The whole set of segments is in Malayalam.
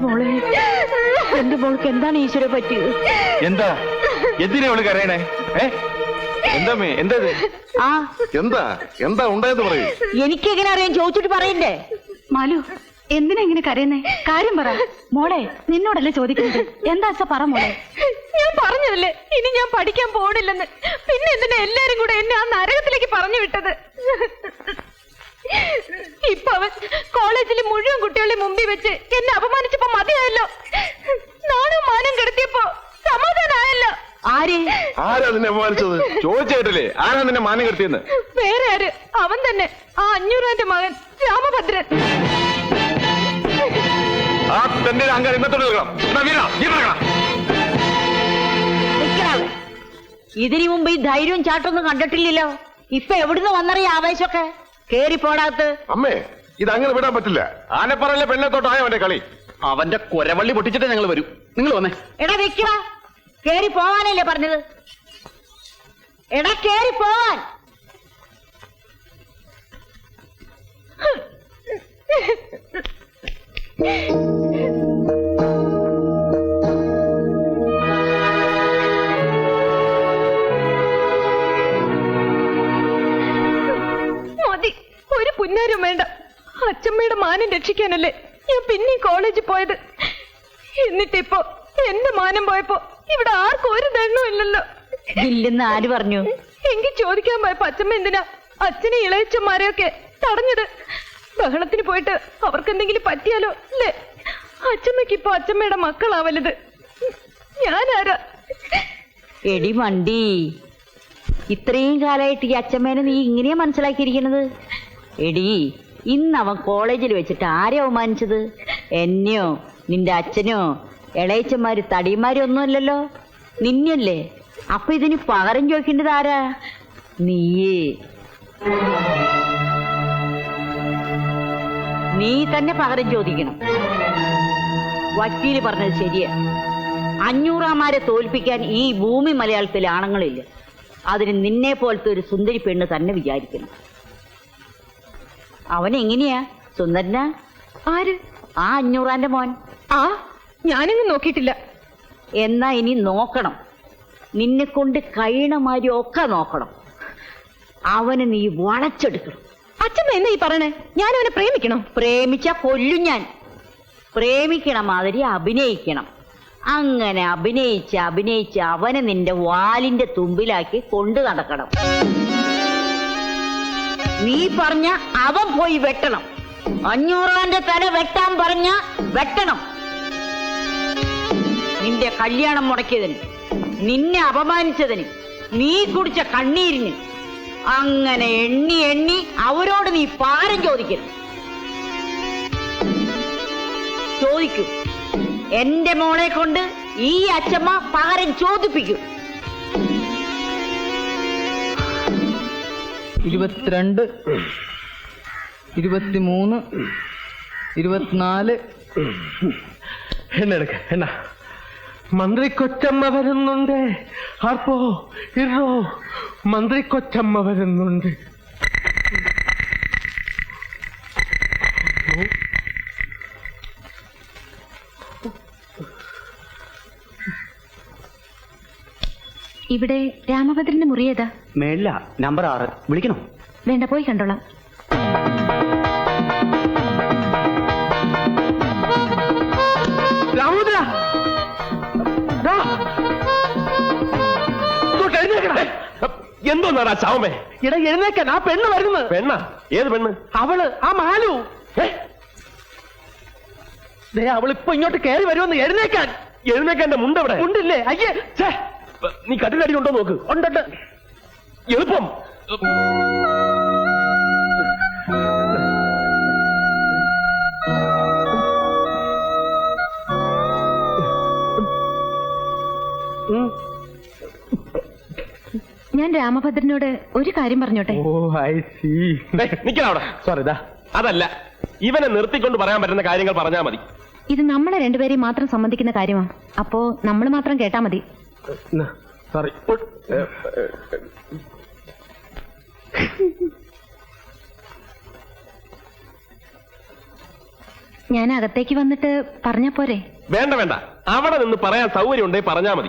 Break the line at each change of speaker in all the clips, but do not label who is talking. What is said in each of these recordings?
മോളെ, എന്റെ മോൾക്ക് എന്താണ് ഈശ്വര പറ്റിയത്?
എന്താ എന്തിനാ അവള് കരയണേ? എന്താ എന്താ
എന്താ എന്താ ഉണ്ടായെന്ന് പറയൂ.
എനിക്കെങ്ങനെ അറിയാൻ? ചോദിച്ചിട്ട് പറയണ്ടേ?
മാലു, എന്തിനാ ഇങ്ങനെ കരയുന്നേ? കാര്യം പറ മോളെ. നിന്നോടല്ലേ ചോദിക്കുന്നത്? എന്താ പറ മോളെ.
ഞാൻ പറഞ്ഞതല്ലേ ഇനി ഞാൻ പഠിക്കാൻ പോണില്ലെന്ന്. പിന്നെ എന്തിനാ എല്ലാരും കൂടെ എന്നെ ആ നരകത്തിലേക്ക് പറഞ്ഞു വിട്ടത്? ഇപ്പൊ അവൻ കോളേജിലെ മുഴുവൻ കുട്ടികളുടെ മുമ്പിൽ വെച്ച് എന്നെ അപമാനിച്ചപ്പോ മതിയായല്ലോ. നാണും മാനം കെടുത്തിയപ്പോ സമാധാനമായല്ലോ.
ആരാ നിന്നെ അപമാനിച്ചത്? ചോദിച്ചേട്ടില്ലേ ആരാ നിന്നെ മാനം കെടുത്തിയെന്ന്?
വേറെ ആര്? അവൻ തന്നെ, ആ 500 മകൻ രാമഭദ്രൻ.
ആ തന്റെ അഹങ്കാരം ഇന്നത്തോടെ
ഇതിനു മുമ്പ് ഈ ധൈര്യവും ചാട്ടൊന്നും കണ്ടിട്ടില്ലല്ലോ. ഇപ്പൊ എവിടുന്ന് വന്നറിയ ആവേശമൊക്കെ? കേറി പോടാത്ത്.
അമ്മേ, ഇത് അങ്ങനെ വിടാൻ പറ്റില്ല. ആനപ്പറയിലെ പെണ്ണത്തോട്ടായോ അവന്റെ കളി?
അവന്റെ കൊരവള്ളി പൊട്ടിച്ചിട്ട് ഞങ്ങൾ വരും. നിങ്ങൾ വന്നേ.
എടാ വെക്കടാ, കേറി പോവാനല്ലേ പറഞ്ഞത്? എടാ കേറി പോവാൻ.
മതി, ഒരു പുന്നാരും വേണ്ട. അച്ഛമ്മയുടെ മാനം രക്ഷിക്കാനല്ലേ ഞാൻ പിന്നെ കോളേജിൽ പോയത്. എന്നിട്ടിപ്പോ എന്റെ മാനം പോയപ്പോ ഇവിടെ ആർക്കും ഒരു ദണ്ണവും ഇല്ലല്ലോ.
ഇല്ലെന്ന് ആര് പറഞ്ഞു?
എങ്കിൽ ചോദിക്കാൻ പോയപ്പോ അച്ഛമ്മ എന്തിനാ അച്ഛനെ ഇളയച്ചന്മാരെയൊക്കെ തടഞ്ഞത്? ബഹളത്തിന് പോയിട്ട് അവർക്ക് എന്തെങ്കിലും പറ്റിയാലോ അല്ലേ? അച്ഛമ്മക്ക് ഇപ്പൊ അച്ഛമ്മയുടെ മക്കളാ വലുത്. ഞാനാരാ?
എടി മണ്ടി, ഇത്രയും കാലമായിട്ട് ഈ അച്ഛമ്മേനെ നീ ഇങ്ങനെയാ മനസ്സിലാക്കിയിരിക്കണത്? എടി, ഇന്ന് അവൻ കോളേജിൽ വെച്ചിട്ട് ആരെ അവമാനിച്ചത്? എന്നെയോ നിന്റെ അച്ഛനോ ഇളയച്ചന്മാര് തടിയന്മാരും ഒന്നുമല്ലല്ലോ, നിന്നല്ലേ. അപ്പൊ ഇതിന് പകരം ചോദിക്കേണ്ടത് ആരാ? നീയേ. നീ തന്നെ പകരം ചോദിക്കണം. വക്കീല് പറഞ്ഞത് ശരിയാ. 500 തോൽപ്പിക്കാൻ ഈ ഭൂമി മലയാളത്തിലെ ആണുങ്ങളില്ല. അതിന് നിന്നെ പോലത്തെ ഒരു സുന്ദരി പെണ്ണ് തന്നെ വിചാരിക്കണം. അവനെങ്ങനെയാ? സുന്ദരനാ?
ആര്?
ആ 500 മോൻ.
ആ, ഞാനൊന്നും നോക്കിയിട്ടില്ല.
എന്നാ ഇനി നോക്കണം. നിന്നെ കൊണ്ട് കഴിയണമാതിരി ഒക്കെ നോക്കണം. അവനെ നീ വളച്ചെടുക്കണം.
അച്ഛമ്മ എന്നാ ഈ പറയണേ? ഞാൻ അവനെ പ്രേമിക്കണോ?
പ്രേമിച്ച കൊല്ലും ഞാൻ. പ്രേമിക്കണ മാതിരി അഭിനയിക്കണം. അങ്ങനെ അഭിനയിച്ച് അവനെ നിന്റെ വാലിന്റെ തുമ്പിലാക്കി കൊണ്ടു നടക്കണം. നീ പറഞ്ഞ അവൻ പോയി വെട്ടണം. 500 തല വെട്ടാൻ പറഞ്ഞ വെട്ടണം. നിന്റെ കല്യാണം മുടക്കിയതിന്, നിന്നെ അപമാനിച്ചതിന്, നീ കുടിച്ച കണ്ണീരിന്, അങ്ങനെ എണ്ണി എണ്ണി അവരോട് നീ പാരം ചോദിക്കണം. ചോദിക്കൂ. എന്റെ മോളെ കൊണ്ട് ഈ അച്ഛമ്മ പകരം ചോദിപ്പിക്കും.
22, 23, 24.
എന്നെടുക്ക എന്നാ മന്ത്രി കൊച്ചമ്മ വരുന്നുണ്ട്. ആർപ്പോ ഇറോ, മന്ത്രി കൊച്ചമ്മ വരുന്നുണ്ട്.
ഇവിടെ രാമഭദ്രന്റെ മുറി ഏതാ?
മേളില നമ്പർ 6. വിളിക്കണോ?
വേണ്ട, പോയി കണ്ടോളാം.
രാമഭദ്ര,
എന്തോന്നാടാ ചാവമേ?
ഇട എഴുന്നേക്കാൻ. ആ പെണ്ണ് വരുന്നു.
പെണ്ണ? ഏത് പെണ്ണ്?
അവള്, ആ മാലു. അവളിപ്പോ ഇങ്ങോട്ട് കയറി വരുമെന്ന്. എഴുന്നേക്കാൻ.
എഴുന്നേക്കാൻ എന്റെ മുണ്ടെവിടെ?
ഉണ്ടില്ലേ? അയ്യേ,
നീ കട്ടിലടി ഉണ്ടോ നോക്ക്.
ഉണ്ടുണ്ട്.
എളുപ്പം.
ഞാൻ രാമഭദ്രനോട് ഒരു കാര്യം പറഞ്ഞോട്ടെ?
ഓ, ഐ സീ.
നിക്കണവിടെ.
സോറി,
അതല്ല, ഇവനെ നിർത്തിക്കൊണ്ട് പറയാൻ പറ്റുന്ന കാര്യങ്ങൾ പറഞ്ഞാൽ മതി.
ഇത് നമ്മളെ രണ്ടുപേരെയും മാത്രം സംബന്ധിക്കുന്ന കാര്യമാണ്. അപ്പോ നമ്മൾ മാത്രം കേട്ടാ മതി.
സോറി.
ഞാൻ അകത്തേക്ക് വന്നിട്ട് പറഞ്ഞ പോരെ?
വേണ്ട വേണ്ട, അവിടെ നിന്ന് പറയാൻ സൗകര്യം ഉണ്ടെങ്കിൽ പറഞ്ഞാ മതി.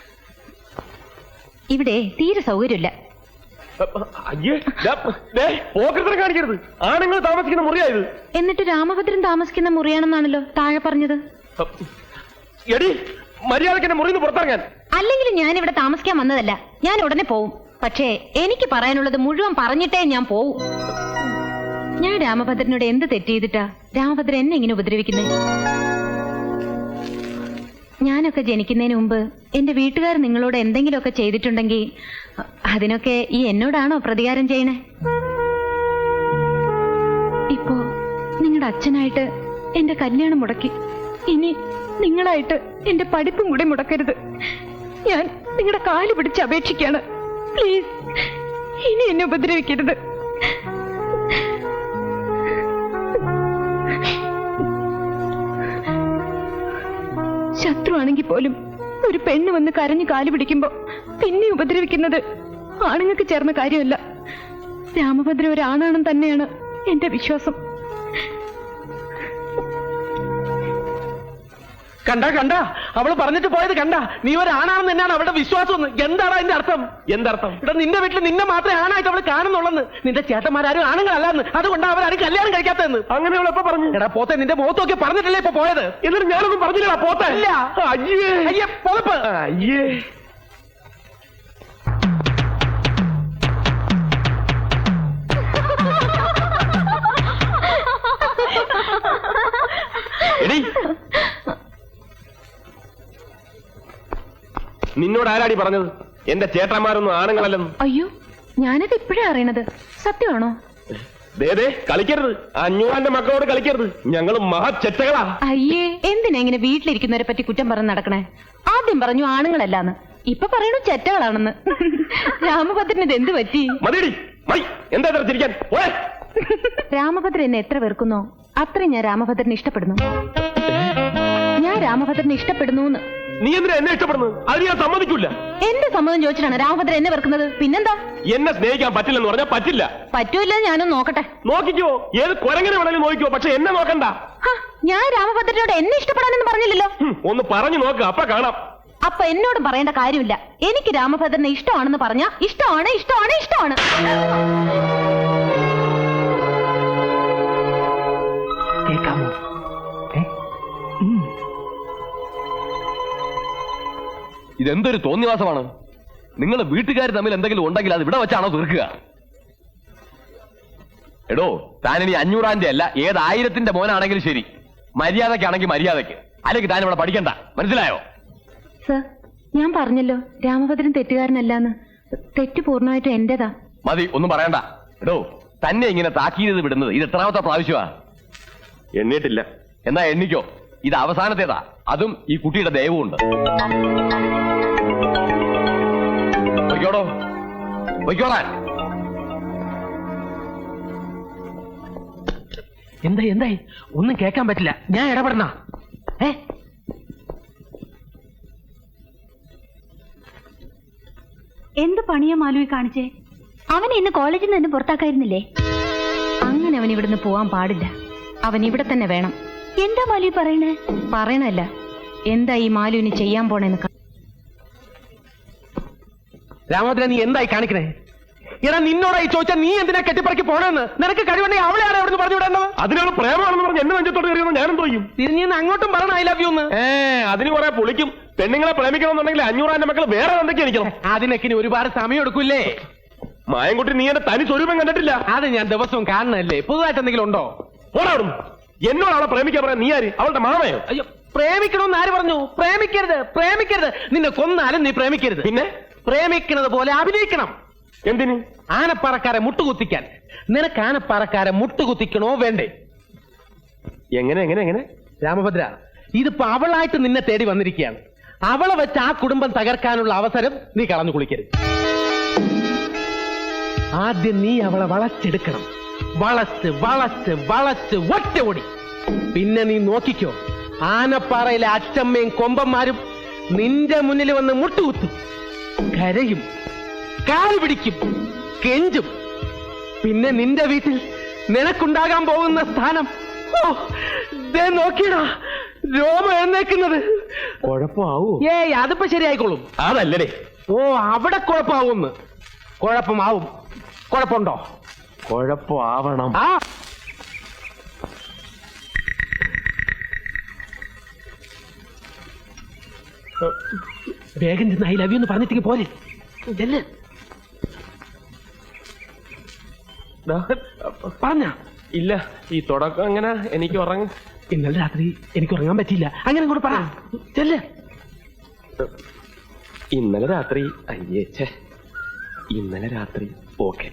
ഇവിടെ തീരെ സൗകര്യമില്ല.
അയ്യേ, പോക്കറ്റിനെ കാണിക്കരുത്. ആണുങ്ങൾ താമസിക്കുന്ന മുറിയായത്.
എന്നിട്ട് രാമഭദ്രൻ താമസിക്കുന്ന മുറിയാണെന്നാണല്ലോ താഴെ പറഞ്ഞത്.
എടി, മര്യാദക്ക് എന്നെ മുറിന്ന് പുറത്തിറങ്ങാൻ.
അല്ലെങ്കിൽ ഞാൻ ഇവിടെ താമസിക്കാൻ വന്നതല്ല. ഞാൻ ഉടനെ പോവും. പക്ഷേ എനിക്ക് പറയാനുള്ളത് മുഴുവൻ പറഞ്ഞിട്ടേ ഞാൻ പോവും. ഞാൻ രാമഭദ്രനോട് എന്ത് തെറ്റ് ചെയ്തിട്ടാ രാമഭദ്രൻ എന്നെ ഇങ്ങനെ ഉപദ്രവിക്കുന്നത്? ഞാനൊക്കെ ജനിക്കുന്നതിന് മുമ്പ് എന്റെ വീട്ടുകാർ നിങ്ങളോട് എന്തെങ്കിലുമൊക്കെ ചെയ്തിട്ടുണ്ടെങ്കിൽ അതിനൊക്കെ ഈ എന്നോടാണോ പ്രതികാരം ചെയ്യണേ? ഇപ്പോ നിങ്ങളുടെ അച്ഛനായിട്ട് എന്റെ കല്യാണം മുടക്കി. ഇനി നിങ്ങളായിട്ട് എന്റെ പഠിപ്പും കൂടെ മുടക്കരുത്. ഞാൻ നിങ്ങളുടെ കാല് പിടിച്ച് അപേക്ഷിക്കാണ്. പ്ലീസ്, ഇനി എന്നെ ഉപദ്രവിക്കരുത്. ശത്രുവാണെങ്കിൽ പോലും ഒരു പെണ്ണ് വന്ന് കരഞ്ഞു കാല് പിടിക്കുമ്പോ പിന്നെ ഉപദ്രവിക്കുന്നത് ആണുങ്ങൾക്ക് ചേർന്ന കാര്യമല്ല. രാമഭദ്രൻ ഒരാണാണെന്ന് തന്നെയാണ് എന്റെ വിശ്വാസം.
കണ്ട അവള് പറഞ്ഞിട്ട് പോയത് കണ്ട. നീ ഒരാണാണെന്ന് തന്നെയാണ് അവളുടെ വിശ്വാസം. എന്താണ് അതിന്റെ അർത്ഥം?
എന്തർത്ഥം?
ഇവിടെ നിന്റെ വീട്ടിൽ നിന്നെ മാത്രമേ ആണായിട്ട് അവള് കാണുന്നുള്ളെന്ന്. നിന്റെ ചേട്ടന്മാരും ആണുങ്ങളല്ലാന്ന്. അതുകൊണ്ട് അവരാരും കല്യാണം കഴിക്കാത്തതെന്ന്.
അങ്ങനെ അവൾ എപ്പോ പറഞ്ഞു?
എടാ പോത്തെ, നിന്റെ മുഖത്തൊക്കെ പറഞ്ഞിട്ടല്ലേ ഇപ്പൊ പോയത്?
എന്നിട്ട് ഞാനൊന്നും പറഞ്ഞില്ലടാ പോത്തെ.
ഇല്ല.
അയ്യേ,
അയ്യേ, പുതപ്പ്.
അയ്യേ. എടി, നിന്നോട് ആരാടി പറഞ്ഞത് എന്റെ ചേട്ടന്മാരൊന്നും ആണുങ്ങളല്ലെന്ന്?
അയ്യോ, ഞാനത് ഇപ്പോഴേ അറിയണത്. സത്യമാണോ?
ദേ കളിക്കരുത്. 500 മക്കളോട് കളിക്കരുത്. ഞങ്ങൾ മഹാചെറ്റകളാ.
അയ്യേ, എന്തിനാ ഇങ്ങനെ വീട്ടിലിരിക്കുന്നവരെ പറ്റി കുറ്റം പറഞ്ഞ് നടക്കണേ? ആദ്യം പറഞ്ഞു ആണുങ്ങളല്ലാന്ന്, ഇപ്പൊ പറയണു ചെറ്റകളാണെന്ന്. രാമഭദ്രന് ഇത് എന്ത് പറ്റി?
മതിയടി, മതി. എന്താ ഇത്ര ചിരിക്കാൻ? പോരെ.
രാമഭദ്രൻ എന്നെ എത്ര വെറുക്കുന്നോ അത്രയും ഞാൻ രാമഭദ്രനെ ഇഷ്ടപ്പെടുന്നു. ഞാൻ രാമഭദ്രനെ ഇഷ്ടപ്പെടുന്നു.
നീ എന്തിനാ എന്നെ ഇഷ്ടപ്പെടുന്നത്? അത് ഞാൻ സമ്മതിക്കൂല.
എന്റെ സമ്മതം ചോദിച്ചിട്ടാണ് രാമഭദ്രൻ എന്നെ വെറുക്കുന്നത്. പിന്നെന്താ?
എന്നെ സ്നേഹിക്കാൻ പറ്റില്ലെന്ന് പറഞ്ഞാൽ പറ്റില്ല.
പറ്റൂല്ല, ഞാനൊന്ന് നോക്കട്ടെ.
നോക്കിക്കോ, ഏത് കുരങ്ങനെ വേണമെങ്കിലും നോക്കിക്കോ, പക്ഷെ എന്നെ നോക്കണ്ട.
ഞാൻ രാമഭദ്രനോട് എന്നെ ഇഷ്ടപ്പെടാനെന്ന് പറഞ്ഞില്ലല്ലോ.
ഒന്ന് പറഞ്ഞു നോക്ക്, അപ്പൊ കാണാം.
അപ്പൊ എന്നോടും പറയേണ്ട കാര്യമില്ല. എനിക്ക് രാമഭദ്രനെ ഇഷ്ടമാണെന്ന് പറഞ്ഞാ ഇഷ്ടമാണ്, ഇഷ്ടമാണ്, ഇഷ്ടമാണ്.
കേൾക്കാമോ?
ഇതെന്തൊരു തോന്നിവാസമാണ്. നിങ്ങൾ വീട്ടുകാർ തമ്മിൽ എന്തെങ്കിലും ഉണ്ടെങ്കിൽ അത് ഇവിടെ വെച്ചാണോ തീർക്കുക? എടോ, താനിനി 500 അല്ല, ഏത് 1000 മോനാണെങ്കിലും ശരി, മര്യാദക്കാണെങ്കിൽ മര്യാദക്ക്, അല്ലെങ്കിൽ താൻ ഇവിടെ പഠിക്കണ്ട. മനസ്സിലായോ?
സർ, ഞാൻ പറഞ്ഞല്ലോ രാമഭദ്രൻ തെറ്റുകാരനല്ലാന്ന്. തെറ്റ് പൂർണ്ണമായിട്ടും എന്റേതാ.
മതി, ഒന്നും പറയണ്ട. എടോ, തന്നെ ഇങ്ങനെ താക്കീത് വിടുന്നത് ഇത് എത്രാമത്തെ പ്രാവശ്യമാ?
എണ്ണിട്ടില്ല.
എന്നാ എണ്ണിക്കോ. ഇത് അവസാനത്തേതാ. അതും ഈ കുട്ടിയുടെ ദയവുമുണ്ട്. വയ്ക്കോടോ, വയ്ക്കോളാൻ.
എന്തായി? ഒന്നും കേൾക്കാൻ പറ്റില്ല. ഞാൻ ഇടപെടണ?
എന്ത് പണിയാ മാലുവി കാണിച്ചേ? അവനെ ഇന്ന് കോളേജിൽ നിന്ന് പുറത്താക്കായിരുന്നില്ലേ?
അങ്ങനെ അവൻ ഇവിടുന്ന് പോവാൻ പാടില്ല. അവൻ ഇവിടെ തന്നെ വേണം.
എന്താ മാലുവി പറയണേ?
പറയണല്ല, എന്താ ഈ മാലുവിന് ചെയ്യാൻ പോണെന്ന്.
രാമഭദ്രൻ, നീ എന്തായി കാണിക്കണേ? എടാ, നിന്നോടായി ചോദിച്ചാൽ നീ എന്തിനാ കെട്ടിപ്പറക്കി പോണെന്ന്? നിനക്ക് കഴിവുണ്ടെങ്കിൽ അവളെ ആരാ അവിടെ പറഞ്ഞു വിടേണ്ടത്?
അതിനാണ് പ്രേമാണെന്ന് പറഞ്ഞ് എന്നെ നെഞ്ചത്തോട് കയറിയെന്ന് ഞാനും തോന്നും.
തിരിഞ്ഞ് അങ്ങോട്ടും പറയണം ഐ ലവ് യു എന്ന്.
അതിന് കുറെ പൊളിക്കും. പെണ്ണുങ്ങളെ പ്രേമിക്കണമെന്നുണ്ടെങ്കിൽ 500 മക്കൾ വേറെ എന്തൊക്കെ എനിക്കണം.
അതിനൊക്കെ ഇനി ഒരുപാട് സമയം എടുക്കൂല്ലേ?
മായൻകുട്ടി, നീ എന്റെ തനി സ്വരൂപം കണ്ടിട്ടില്ല.
അത് ഞാൻ ദിവസവും കാണണല്ലേ. പുതുതായിട്ട് എന്തെങ്കിലും ഉണ്ടോ?
പോടാടും. എന്നോട് അവളെ പ്രേമിക്കാൻ പറയാൻ നീ ആര്? അവളുടെ മാമയോ?
അയ്യോ, പ്രേമിക്കണമെന്ന് ആര് പറഞ്ഞു? പ്രേമിക്കരുത്, പ്രേമിക്കരുത്. നിന്നെ കൊന്നാലും നീ പ്രേമിക്കരുത്.
പിന്നെ
പ്രേമിക്കുന്നത് പോലെ അഭിനയിക്കണം.
എന്തിന്?
ആനപ്പാറക്കാരെ മുട്ടുകുത്തിക്കാൻ. നിനക്ക് ആനപ്പാറക്കാരെ മുട്ടുകുത്തിക്കണോ വേണ്ടേ?
എങ്ങനെ എങ്ങനെ എങ്ങനെ?
രാമഭദ്ര, ഇതിപ്പോ അവളായിട്ട് നിന്നെ തേടി വന്നിരിക്കുകയാണ്. അവളെ വെച്ച് ആ കുടുംബം തകർക്കാനുള്ള അവസരം നീ കളഞ്ഞു കുളിക്കരുത്. ആദ്യം നീ അവളെ വളച്ചെടുക്കണം. വളച്ച് വളച്ച് വളച്ച് ഒറ്റ ഓടി. പിന്നെ നീ നോക്കിക്കോ, ആനപ്പാറയിലെ അച്ചമ്മയും കൊമ്പന്മാരും നിന്റെ മുന്നിൽ വന്ന് മുട്ടുകുത്തും, കരയും, കാല് പിടിക്കും, കെഞ്ചും. പിന്നെ നിന്റെ വീട്ടിൽ നിനക്കുണ്ടാകാൻ പോകുന്ന സ്ഥാനം ദേ നോക്കിയടാ രോമം എഴുന്നേക്കുന്നത്.
കുഴപ്പമാവൂ?
ഏയ് അതിപ്പോ ശരിയായിക്കോളും.
അതല്ലേ.
ഓ അവിടെ കുഴപ്പമാവുമെന്ന്. കുഴപ്പമാവും. കുഴപ്പമുണ്ടോ?
കുഴപ്പമാവണം.
ആ വേഗം ചെന്ന് ഐ ലവ് യു എന്ന് പറഞ്ഞിട്ടേക്ക് പോലെ. പറഞ്ഞ
ഇല്ല, ഈ തുടക്കം അങ്ങനെ എനിക്ക് ഉറങ്ങ.
ഇന്നലെ രാത്രി എനിക്ക് ഉറങ്ങാൻ പറ്റിയില്ല. അങ്ങനെ കൂടെ പറ. ചെല്ല്.
ഇന്നലെ രാത്രി അയ്യേച്ചേ, ഇന്നലെ രാത്രി ഓക്കെ.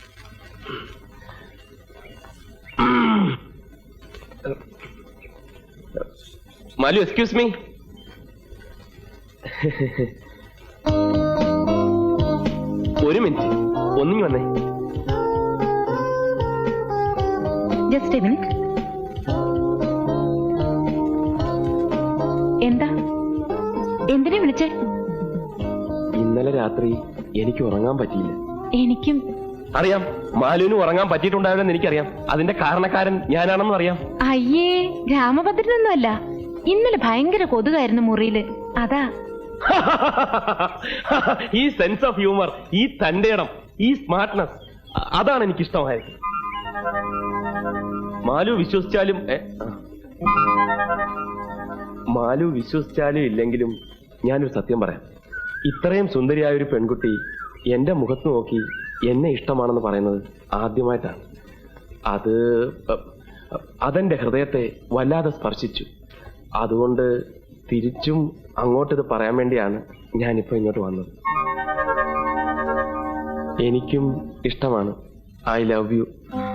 Malu, excuse me. ഒരു മിനിറ്റ്, ഒന്നിങ്ങി വന്നേ.
Just a minute. എന്താ? എന്തിനാ വിളിച്ചേ?
ഇന്നലെ രാത്രി എനിക്ക് ഉറങ്ങാൻ പറ്റിയില്ല.
എനിക്കും
അറിയാം, മാലുവിന് ഉറങ്ങാൻ പറ്റിയിട്ടുണ്ടാവില്ലെന്ന് എനിക്കറിയാം. അതിന്റെ കാരണക്കാരൻ ഞാനാണെന്നും അറിയാം.
അയ്യേ, രാമഭദ്രനൊന്നും അല്ല. ഇന്നലെ ഭയങ്കര കൊതുകായിരുന്നു മുറിയില്, അതാ.
ഈ സെൻസ് ഓഫ് ഹ്യൂമർ, ഈ തന്റേടം, ഈ സ്മാർട്ട്നെസ്, അതാണ് എനിക്ക് ഇഷ്ടമായത്. മാലു വിശ്വസിച്ചാലും മാലു വിശ്വസിച്ചാലും ഇല്ലെങ്കിലും ഞാനൊരു സത്യം പറയാം. ഇത്രയും സുന്ദരിയായ ഒരു പെൺകുട്ടി എന്റെ മുഖത്ത് നോക്കി എന്നെ ഇഷ്ടമാണെന്ന് പറയുന്നത് ആദ്യമായിട്ടാണ്. അതെന്റെ ഹൃദയത്തെ വല്ലാതെ സ്പർശിച്ചു. അതുകൊണ്ട് തിരിച്ചും അങ്ങോട്ടിത് പറയാൻ വേണ്ടിയാണ് ഞാനിപ്പോ ഇങ്ങോട്ട് വന്നത്. എനിക്കും ഇഷ്ടമാണ്. I love you.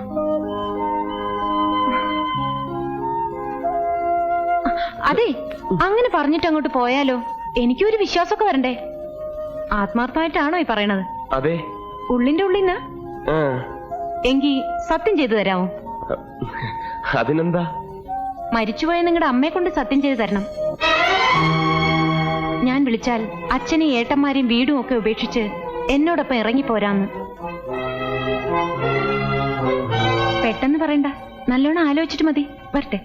അതെ, അങ്ങനെ പറഞ്ഞിട്ട് അങ്ങോട്ട് പോയാലോ? എനിക്കൊരു വിശ്വാസമൊക്കെ വരണ്ടേ. ആത്മാർത്ഥമായിട്ടാണോ ഈ പറയണത്?
അതെ,
ഉള്ളിന്റെ ഉള്ളിന്ന്. എങ്കി സത്യം ചെയ്തു തരാമോ?
അതിനെന്താ?
മരിച്ചുപോയ നിങ്ങളുടെ അമ്മയെ കൊണ്ട് സത്യം ചെയ്തു തരണം. ഞാൻ വിളിച്ചാൽ അച്ഛനെയും ഏട്ടന്മാരെയും വീടും ഒക്കെ ഉപേക്ഷിച്ച് എന്നോടൊപ്പം ഇറങ്ങിപ്പോരാന്ന്. പെട്ടെന്ന് പറയണ്ട, നല്ലോണം ആലോചിച്ചിട്ട് മതി. വരട്ടെ.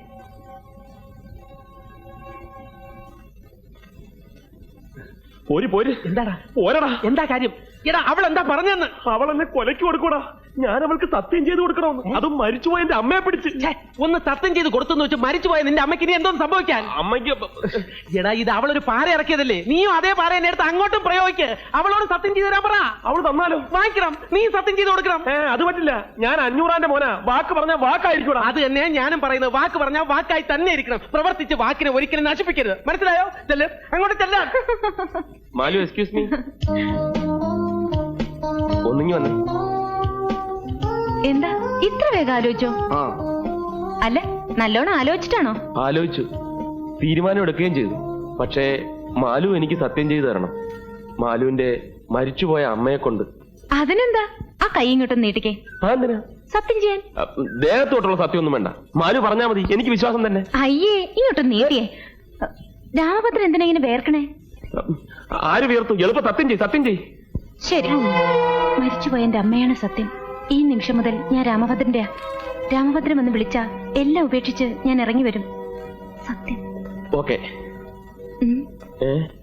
പോര്.
എന്താടാ?
പോരടാ.
എന്താ കാര്യം? എടാ, അവൾ എന്താ പറഞ്ഞെന്ന്?
അവൾ എന്നെ കൊലയ്ക്ക് കൊടുക്കൂടാ. ഞാൻ അവൾക്ക് സത്യം ചെയ്ത് കൊടുക്കണമെന്ന്. അതും മരിച്ചുപോയ എന്റെ അമ്മയെ പിടിച്ച്.
ഒന്ന് സത്യം ചെയ്ത് കൊടുത്തെന്ന് വെച്ച് മരിച്ചുപോയ നിന്റെ അമ്മയ്ക്ക് ഇനി എന്തോന്ന് സംഭവിക്കാൻ?
അമ്മയ്ക്ക്
എടാ, ഇത് അവളൊരു പാര ഇറക്കിയതല്ലേ? നീയും അതേ പാര എന്നെ എടുത്ത് അങ്ങോട്ടും പ്രയോഗിക്ക്. അവളോട് സത്യം ചെയ്ത് തരാൻ പറ.
അവൾ തന്നാലോ?
വാങ്ങിക്കണം. നീ സത്യം ചെയ്ത് കൊടുക്കണം.
അത് പറ്റില്ല. ഞാൻ 500 മോനാ. വാക്ക് പറഞ്ഞ വാക്കായിരിക്കൂടാ.
അത് തന്നെ ഞാനും പറയുന്നത്. വാക്ക് പറഞ്ഞാൽ വാക്കായി തന്നെ ഇരിക്കണം. പ്രവർത്തിച്ച് വാക്കിനെ ഒരിക്കലും നശിപ്പിക്കരുത്. മനസ്സിലായോ? ചെല്ല്, അങ്ങോട്ട് ചെല്ലാം.
Malu, excuse me. ഒന്നിങ്ങി വന്നേ.
എന്താ ഇത്ര വേഗം ആലോചിച്ചോ? അല്ല, നല്ലോണം ആലോചിച്ചിട്ടാണോ?
ആലോചിച്ചു, തീരുമാനം എടുക്കുകയും ചെയ്തു. പക്ഷേ മാലു എനിക്ക് സത്യം ചെയ്തു തരണം. മാലുവിന്റെ മരിച്ചുപോയ അമ്മയെ കൊണ്ട്.
അതിനെന്താ? ആ കൈ ഇങ്ങോട്ടും നീട്ടിക്കേ.
എന്തിനാ?
സത്യം ചെയ്യാൻ.
ദേഹത്തോട്ടുള്ള സത്യം ഒന്നും വേണ്ട. മാലു പറഞ്ഞാ മതി, എനിക്ക് വിശ്വാസം തന്നെ.
അയ്യേ, ഇങ്ങോട്ടും നീട്ടിയേ. രാമഭദ്രൻ എന്തിനാ ഇങ്ങനെ വേർക്കണേ?
ആര് വീർത്തു? എളുപ്പം സത്യം ചെയ്.
ശരി, മരിച്ചുപോയ എന്റെ അമ്മയാണ് സത്യം. ഈ നിമിഷം മുതൽ ഞാൻ രാമഭദ്രന്റെയാ. രാമഭദ്രൻ എന്ന് വിളിച്ചാ എല്ലാം ഉപേക്ഷിച്ച് ഞാൻ ഇറങ്ങി വരും. സത്യം.
ഓക്കെ.